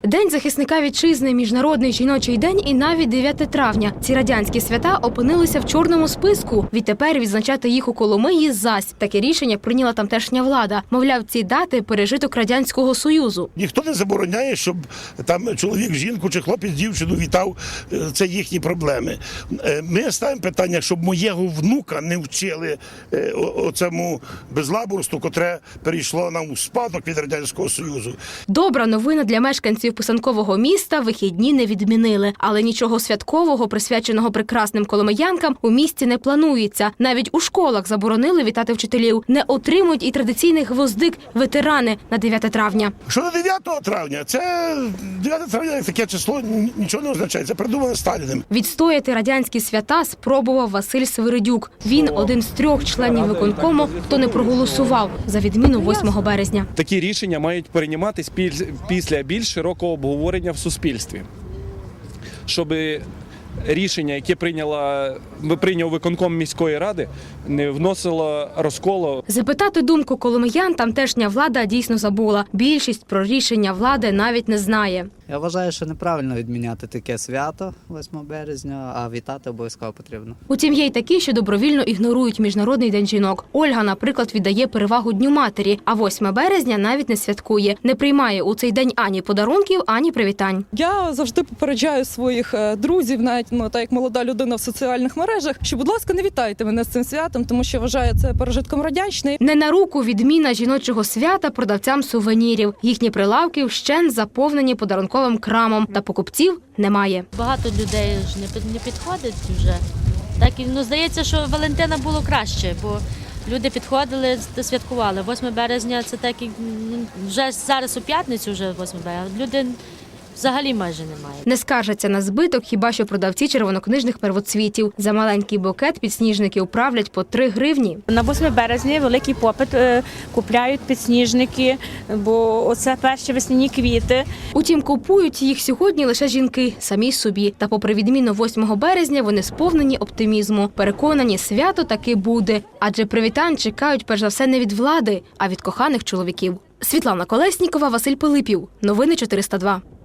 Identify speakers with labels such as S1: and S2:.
S1: День захисника вітчизни, Міжнародний жіночий день і навіть 9 травня. Ці радянські свята опинилися в чорному списку. Відтепер відзначати їх у Коломиї зась. Таке рішення прийняла тамтешня влада. Мовляв, ці дати – пережиток Радянського Союзу.
S2: Ніхто не забороняє, щоб там чоловік жінку чи хлопець дівчину вітав. Це їхні проблеми. Ми ставимо питання, щоб моєго внука не вчили оцьому безлаборству, котре перейшло нам у спадок від Радянського Союзу.
S1: Добра новина для мешканців писанкового міста – вихідні не відмінили. Але нічого святкового, присвяченого прекрасним коломиянкам, у місті не планується. Навіть у школах заборонили вітати вчителів. Не отримують і традиційний гвоздик ветерани на 9 травня.
S2: Що на 9 травня? Це 9 травня, як таке число, нічого не означає. Це придумано Сталіним.
S1: Відстояти радянські свята спробував Василь Свиридюк. Він один з 3 членів виконкому, хто не проголосував за відміну 8 березня.
S3: Такі рішення мають прийматися після більш широкого обговорення в суспільстві, щоб рішення, яке прийняв виконком міської ради, не вносило розколу.
S1: Запитати думку коломиян тамтешня влада дійсно забула. Більшість про рішення влади навіть не знає.
S4: Я вважаю, що неправильно відміняти таке свято 8 березня, а вітати обов'язково потрібно.
S1: Утім, є й такі, що добровільно ігнорують Міжнародний день жінок. Ольга, наприклад, віддає перевагу Дню матері, а 8 березня навіть не святкує. Не приймає у цей день ані подарунків, ані привітань.
S5: Я завжди попереджаю своїх друзів, навіть так як молода людина в соціальних мережах, що, будь ласка, не вітайте мене з цим святом, тому що вважаю це пережитком радянщини.
S1: Не на руку відміна жіночого свята продавцям сувенірів. Їхні прилавки вщент заповнені подарунковим крамом, та покупців немає.
S6: Багато людей ж не підходить вже. Так, здається, що Валентина було краще, бо люди підходили, святкували. 8 березня – це так, вже зараз у п'ятницю вже 8 березня, люди взагалі майже немає.
S1: Не скаржаться на збиток хіба що продавці червонокнижних первоцвітів. За маленький букет підсніжники управлять по 3 гривні.
S7: На 8 березня великий попит, купляють підсніжники, бо оце перші весняні квіти.
S1: Утім, купують їх сьогодні лише жінки, самі собі. Та попри відміну 8 березня, вони сповнені оптимізму. Переконані, свято таки буде. Адже привітань чекають перш за все не від влади, а від коханих чоловіків. Світлана Колеснікова, Василь Пилипів. Новини 402.